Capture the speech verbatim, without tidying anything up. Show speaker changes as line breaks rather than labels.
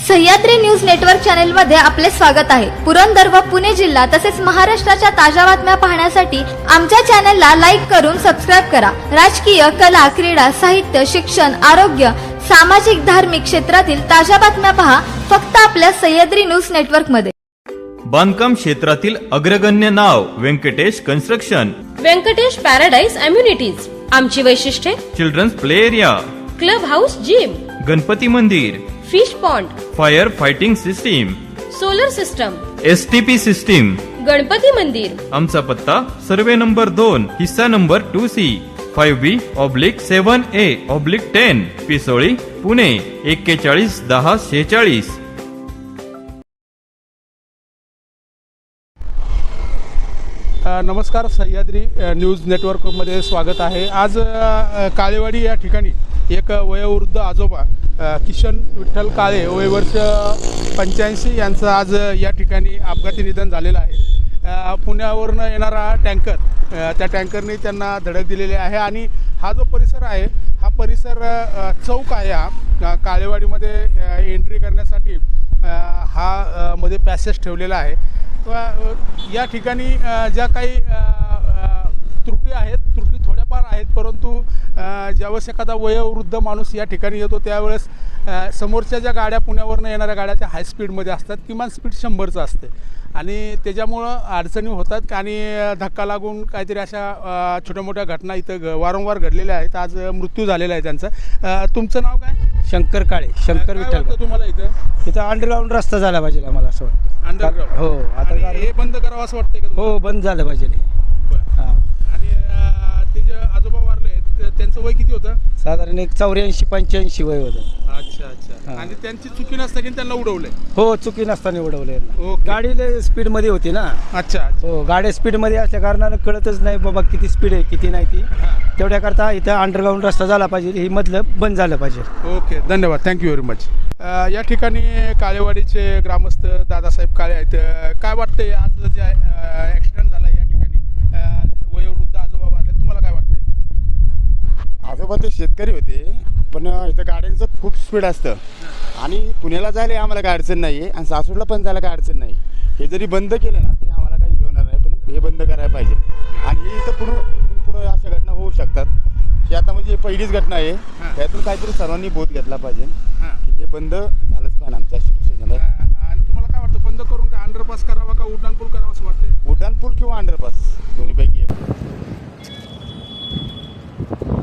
Sahyadri news network channel मध्ये आपले स्वागत आहे। पुरंदर व पुणे जिल्हा तसेच महाराष्ट्राच्या ताज्या बातम्या पाहण्यासाठी आमच्या चॅनलला लाईक करून सबस्क्राइब करा। राजकीय, कला, क्रीडा, साहित्य, शिक्षण, आरोग्य, सामाजिक, धार्मिक क्षेत्रातील ताज्या बातम्या पहा फक्त आपल्या सह्याद्री न्यूज नेटवर्क मध्ये।
बांधकाम क्षेत्रातील अग्रगण्य नाव Venkatesh construction,
Venkatesh paradise amenities. आमची वैशिष्ट्ये:
children's play area,
club house, gym,
Ganpati मंदिर,
fish pond,
fire fighting system,
solar system,
STP system,
Ganpati मंदिर।
आमचा पत्ता सर्वे नंबर दोन, हिस्सा number two C, five B oblique seven A oblique ten, Pisoli, Pune एक्केचाळीस दहा शेचाळीस।
नमस्कार, सह्याद्री न्यूज नेटवर्कमध्ये स्वागत आहे। आज काळेवाडी या ठिकाणी एक वयोवृद्ध आजोबा किशन विठ्ठल काळे वय वर्ष पंच्याऐंशी यांचं आज या ठिकाणी अपघाती निधन झालेलं आहे। पुण्यावरून येणारा टँकर, त्या टँकरने त्यांना धडक दिलेली आहे आणि हा जो परिसर आहे हा परिसर चौक आहे। हा काळेवाडीमध्ये एंट्री करण्यासाठी हा मध्ये पॅसेज ठेवलेला आहे। या ठिकाणी ज्या काही त्रुटी आहेत, त्रुटी थोड्याफार आहेत, परंतु ज्यावेळेस एखादा वयोवृद्ध माणूस या ठिकाणी येतो त्यावेळेस समोरच्या ज्या गाड्या पुण्यावरनं येणाऱ्या गाड्या त्या हाय स्पीडमध्ये असतात, किमान स्पीड शंभरचं असते आणि त्याच्यामुळं अडचणी होतात आणि धक्का लागून काहीतरी अशा छोट्या मोठ्या घटना इथं वारंवार घडलेल्या आहेत। आज मृत्यू झालेला आहे त्यांचा। तुमचं नाव काय?
शंकर काळे, शंकर विठ्ठल।
तुम्हाला इथं
इथं अंडरग्राऊंड रस्ता झाला पाहिजे आम्हाला असं वाटतं।
अंडरग्राऊंड?
हो, आता
हे बंद करावं असं वाटतंय का?
हो, बंद झालं पाहिजे। हां,
आणि ते जे आजोबा वारले त्यांचं वय किती होतं?
साधारण एक चौऱ्याऐंशी पंच्याऐंशी वय होतं।
अच्छा अच्छा। आणि त्यांची चुकी नसताना त्यांना उडवलंय?
हो, चुकी नसताना उडवले।
ओके।
गाडी लय स्पीडमध्ये होती ना।
अच्छा।
हो, गाडी स्पीडमध्ये असल्या कारणानं कळतच नाही बाबा किती स्पीड आहे किती नाही ती। तेवढ्याकरता इथं अंडरग्राऊंड रस्ता झाला पाहिजे, ही मधलं बंद झालं पाहिजे।
ओके, धन्यवाद, थँक्यू व्हेरी मच। या ठिकाणी काळेवाडीचे ग्रामस्थ दादासाहेब काळे आहेत। काय वाटतंय आज जे ॲक्सिडेंट झाला या ठिकाणी, वयोवृद्ध आजोबा वारले, तुम्हाला काय वाटतंय?
आजोबा ते शेतकरी होते, पण इथं गाड्यांचं खूप स्पीड असतं आणि पुण्याला जायला आम्हाला काय अडचण नाही आहे आणि सासूरला पण जायला काय अडचण नाही। हे जरी बंद केलं ना तरी आम्हाला काही होणार नाही, पण हे बंद करायला पाहिजे आणि हे इथं पुढं इथून पुढं अशा घटना होऊ शकतात। ही आता म्हणजे पहिलीच घटना आहे, त्यातून काहीतरी सर्वांनी बोध घेतला पाहिजे की हे बंद झालंच पाहिजे आमच्या शिक्षणाला।
आणि तुम्हाला काय वाटतं, बंद करून का अंडरपास करावा का उड्डाणपूल करावा असं वाटतंय?
उड्डाणपूल किंवा अंडरपास दोन्हीपैकी एक।